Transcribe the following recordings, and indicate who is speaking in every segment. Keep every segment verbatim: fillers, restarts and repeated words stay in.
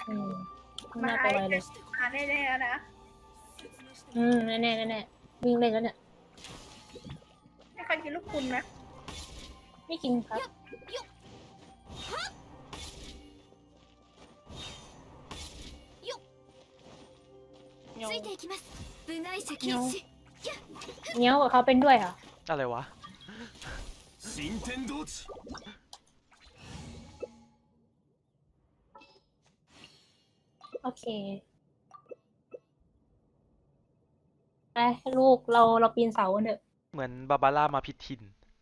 Speaker 1: อืม
Speaker 2: มา
Speaker 1: น่า
Speaker 2: ไอ้
Speaker 1: ไปไวเลย
Speaker 2: มาแน่ๆนะ
Speaker 1: อืมแน่แน่แน่แน่วิ่งเล่นแล้วเนี่ย
Speaker 2: ไม่เคยกินลูกคุณนะ
Speaker 1: ไม่กินครับ
Speaker 3: ついていきます部外者禁止
Speaker 1: เงี้ยวกับเขาเป็นด้วยเหรอ
Speaker 4: อะไรวะ
Speaker 5: 新天道地
Speaker 1: โอเคไปลูกเราเราปีนเสากันเถอะ
Speaker 4: เหมือนบาบาร่ามาผิดถิ่น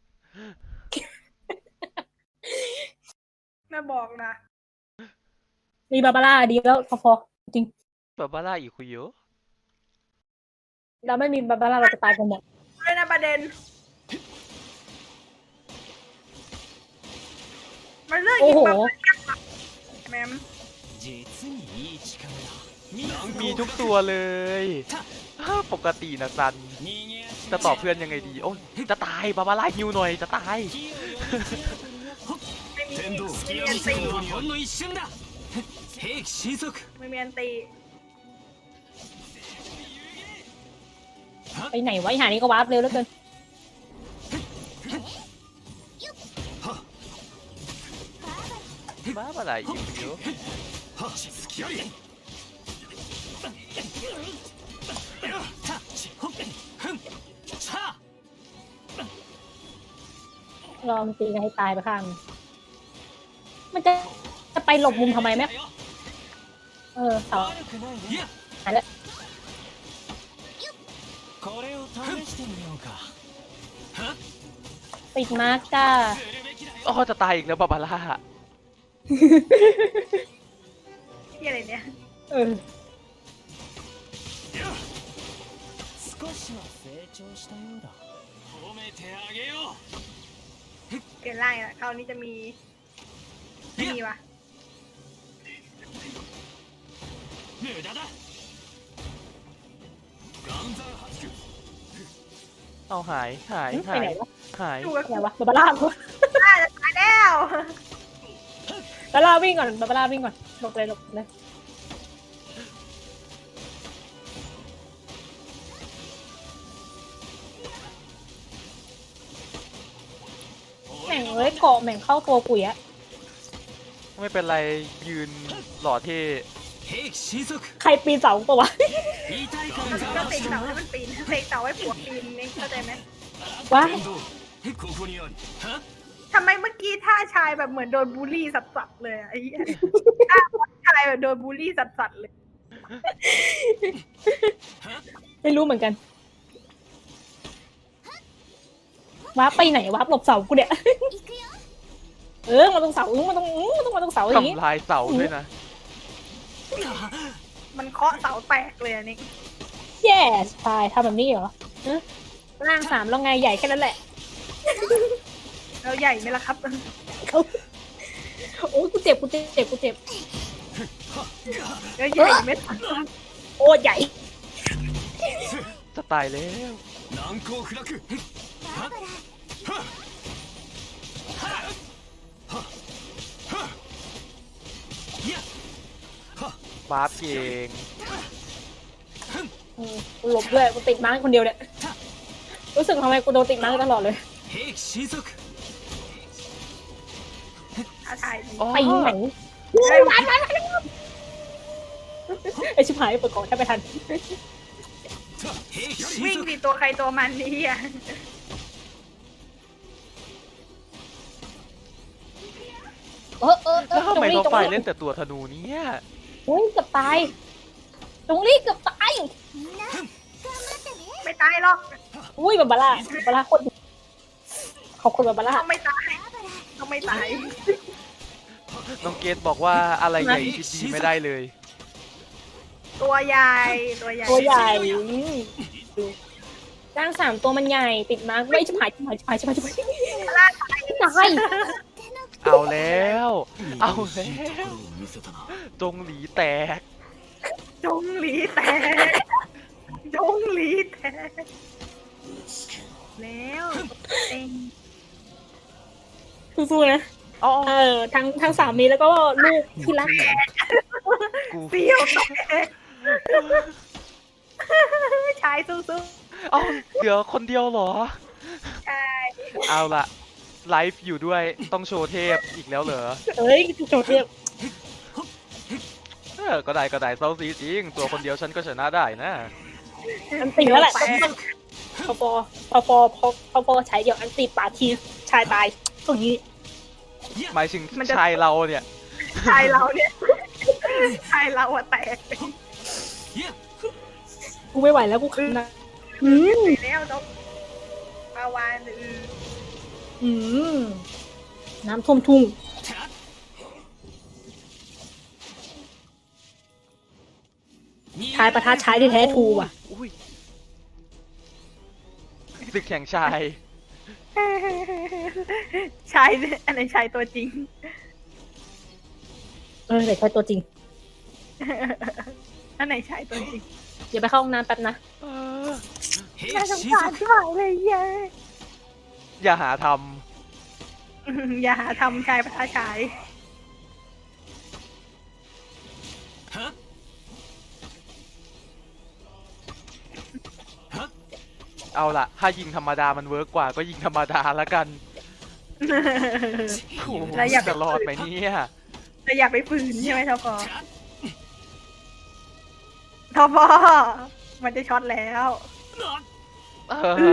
Speaker 2: แม่บอกนะ
Speaker 1: มีบาบาร่าดีแล้วพอพอจริง
Speaker 4: บาบาร่าอีกคุยเยอะ
Speaker 1: เราไม่มีบาบาร่าเราจะตายกันหมด
Speaker 2: เลยนะประเด็น มันเลือก
Speaker 1: โอ้
Speaker 2: ยิง
Speaker 1: โห
Speaker 2: แบบแมม
Speaker 5: 実にいい力だ
Speaker 4: มีทุกตัวเลย ปกตินะซัน
Speaker 5: 逃げ足
Speaker 4: จะตอบเพื่อนยังไงดี โอ้ยจะตายบาบาร่าฮิวหน่อยจะตาย
Speaker 2: ไม่มี
Speaker 5: 天道
Speaker 2: ไม่
Speaker 5: 吹き
Speaker 2: มีอัน
Speaker 5: 矢
Speaker 2: ตี
Speaker 5: のほんの一瞬だ兵器神速
Speaker 2: ไม่มีอันตี
Speaker 1: ไปไหนวะไอ้หานี้ก็วาร์ปเร็วเหลือเกิน
Speaker 4: บาบาร่าอีกคุยเยอะ
Speaker 5: はっつきありたちほっふんさあ
Speaker 1: ลองตีกันให้ตายไปข้างหนึ่งมันจะจะไปหลบมุมทำไมไหมเออเสา
Speaker 5: 悪くないね
Speaker 1: หายแล้ว
Speaker 5: これを試してみようか
Speaker 1: ปิดมาร์กจ้า
Speaker 5: するべきだよ
Speaker 4: อ๋อจะตายอีกแล้วบาบาร่า
Speaker 2: ที่อะไรเนี่ย
Speaker 1: เออ
Speaker 5: 少しは成長したようだ褒めてあげよ
Speaker 2: เปลี่ยนร่างละคราวนี้จะมี ไม่มีวะ
Speaker 5: う無駄だ岩山八九
Speaker 4: เอาหายหาย
Speaker 1: ไป
Speaker 4: หาย
Speaker 1: ไหนวะ
Speaker 4: หาย
Speaker 2: ดูกับ
Speaker 1: ไหนวะบาบาร่า
Speaker 2: อ่าจะตายแล้ว
Speaker 1: บาบาร่าวิ่งก่อนบาบาร่าวิ่งก่อนหลบเลยหลบเลยแม่งเอ้ยเกาะแม่งเข้าตัวปุ๋ยอะ
Speaker 4: ไม่เป็นไรยืนหล่อเท่
Speaker 5: 兵器神速
Speaker 1: ใครปีนเสาปะวะ
Speaker 5: 痛い感
Speaker 2: ก็
Speaker 5: じ
Speaker 2: ก็
Speaker 5: が
Speaker 2: เตะเสาให้มันปีนเตะเสาให้ผัวปีนนี่เข้าใจไหม
Speaker 1: ว้าย
Speaker 5: 天道ここにありは
Speaker 2: ทำไมเมื่อกี้ท่าชายแบบเหมือนโดนบูลลี่สัสๆเลยอะไอ้เหี้ยท่าชายแบบโดนบูลลี่สัสๆเลย
Speaker 1: ไม่รู้เหมือนกันวาร์ปไปไหนวาร์ปหลบเสากูเนี่ย
Speaker 3: 行くよ
Speaker 1: เออมาตรงเสาอื้อมาตรงอื้อมาตรงมาตรงเสาอย่างงี้
Speaker 4: ทำลายเสาด้วยนะ
Speaker 2: มันเคาะเสาแตกเลยอันนี้
Speaker 1: แย่ตายทำแบบนี้เหรอฮะร่างสามแล้วไงใหญ่แค่นั้นแหละ
Speaker 2: เราใหญ่ไหมล่ะครับ
Speaker 1: เขาโอ้ยกูเจ็บกูเจ็บกูเจ็บ
Speaker 2: เราใหญ่ไหม
Speaker 1: โอ้ใหญ่
Speaker 4: จะตายแล้ว
Speaker 5: 難攻不落
Speaker 3: バーバラ
Speaker 4: บาร์ปเก่ง
Speaker 1: อืมกูหลบด้วยกูติดม้าคนเดียวเนี่ยรู้สึกทำไมกูโดนติดม้าตลอดเลย
Speaker 5: 兵器神速
Speaker 2: ท่าชายดี
Speaker 4: อ๋อ
Speaker 1: ไปไหน
Speaker 2: เฮ้ย
Speaker 1: ไอชิบหายเปิดก่อนถ้าไปทัน
Speaker 5: 兵器
Speaker 2: วิ่ง
Speaker 5: 神速
Speaker 2: สิตัวใครตัวมันนี่อ่ะ
Speaker 1: เออเออเอ
Speaker 4: แล้
Speaker 1: อ
Speaker 4: วทำไม
Speaker 1: จงรี
Speaker 4: เรา
Speaker 1: จง
Speaker 4: ไป
Speaker 1: รี
Speaker 4: เล่นแต่ตัวธนูเนี่ย
Speaker 1: โอ้ยเกือบตายจงรีเกือบตาย
Speaker 3: みんな頑張ってね
Speaker 2: ไม่ตายหรอก
Speaker 1: อุ้ยบาบาร่าบาบาร่าโคตรดีขอบคุณบาบาร่า
Speaker 2: ต้องไม่ตายต้องไม่ตาย
Speaker 4: น้องเกดบอกว่าอะไรใหญ่คิดดีไม่ได้เลย
Speaker 2: ตัวใหญ่ตัวใหญ่
Speaker 1: ตัวใหญ่อืมดูร่างสามตัวมันใหญ่ติดม้าไม่ชิบหายชิบหายชิบหายชิบหายชิบหายตาย
Speaker 4: เอาแล้ว เอาแล้ว
Speaker 5: 見せたな
Speaker 4: จงหลีแตก
Speaker 2: จงหลีแตกจงหลีแตกแล้วเอง
Speaker 1: สู้ๆนะ
Speaker 4: อ๋อ
Speaker 1: เออทั้งทั้งสามีแล้วก็ลูกที่รัก
Speaker 4: กู
Speaker 2: เสียวแตกชายสู้
Speaker 4: เอ้าเหลือคนเดียวเหรอ
Speaker 2: ๆชาย
Speaker 4: เอาละไลฟ์อยู่ด้วยต้องโชว์เทพอีกแล้วเหรอ
Speaker 1: เอ้ยโจเทพ
Speaker 4: เออก็ได้ก็ได้เซาซีจริง ตัวคนเดียวฉันก็ชนะได้นะ
Speaker 1: อันตีแล้วแหละ
Speaker 2: ตก
Speaker 1: พอพอพอพอพอพอพอใช้เดี๋ยวอันตีป่าทีชายตายตรงนี้
Speaker 4: หมายถึงชายเราเนี่ย
Speaker 2: ชายเราเนี่ยชายเราอะแตก
Speaker 1: กูไม่ไหวแล้วกูคืนนะอืม
Speaker 2: ไปแล้วน้องปาวานอือ
Speaker 1: อืมน้ำท่วมทุ่งชายประทัดชายที่แท้ทรูว่ะ
Speaker 4: อุ้ยศึกแข่งชาย
Speaker 2: ชายอันไหนชายตัวจริง
Speaker 1: เออแต่ใช่ตัวจริง
Speaker 2: อันไหนชายตัวจริง
Speaker 1: เดี๋ยวไปเข้าห้องน้ำแป๊บนะ
Speaker 4: เออ
Speaker 2: น่าสงสารที่หายเลยเย้ย
Speaker 4: อย่าหาท
Speaker 2: อืมอย่าหาทำชายประทาชาย
Speaker 4: ำเอาละถ้ายิงธรรมดามันเวิร์กกว่าก็ยิงธรรมดาละกันโอ้โห
Speaker 2: แล้วอย่าไป
Speaker 4: จะรอดไหมเนี่ย
Speaker 2: แต่อย่าไปฝืนใช่ไหมทอปอทอปอมันจะช็อตแล้ว
Speaker 4: เออ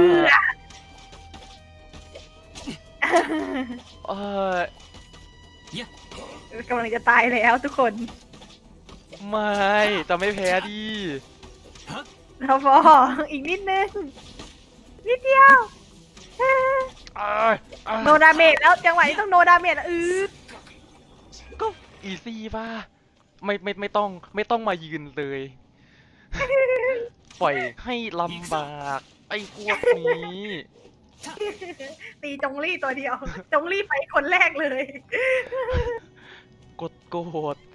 Speaker 4: เออก
Speaker 2: ำลังจะตายแล้วทุกคน
Speaker 4: ไม่จะไม่แพ้ดิ
Speaker 2: ทอปออีกนิดนึง นิดเดียว
Speaker 4: เอ้ยเอ้ย
Speaker 2: โนดาเมจแล้วจังหวะนี้ต้องโนดาเมจแล้วอือ
Speaker 4: ก็อีซี่ป่ะไม่ไม่ไม่ต้องไม่ต้องมายืนเลย ปล่อยให้ลำบากไอ้พวกนี้
Speaker 2: ตีจงลี่ตัวเดียว จงลี่ไปคนแรกเลย
Speaker 4: กดโกรธ